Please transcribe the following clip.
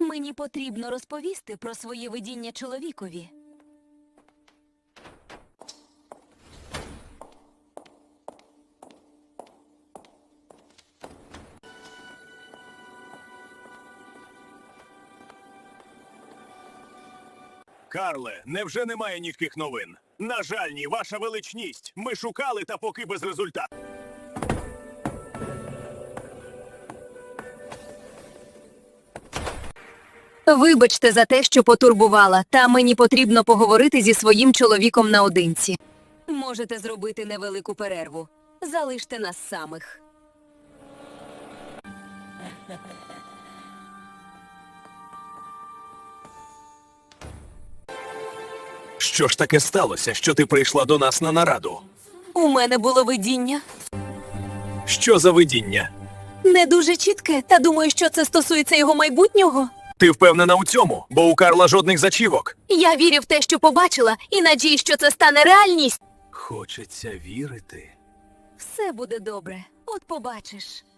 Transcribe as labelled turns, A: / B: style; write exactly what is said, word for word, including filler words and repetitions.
A: Мені потрібно розповісти про своє видіння чоловікові.
B: Карле, невже немає ніяких новин? На жаль, ні, ваша величність. Ми шукали, та поки без результату.
A: Вибачте за те, що потурбувала, та мені потрібно поговорити зі своїм чоловіком наодинці. Можете зробити невелику перерву. Залиште нас самих.
B: Що ж таке сталося, що ти прийшла до нас на нараду?
A: У мене було видіння.
B: Що за видіння?
A: Не дуже чітке, та думаю, що це стосується його майбутнього.
B: Ти впевнена у цьому, бо у Карла жодних зачівок.
A: Я вірю в те, що побачила, і надію, що це стане реальність.
B: Хочеться вірити.
A: Все буде добре. От побачиш.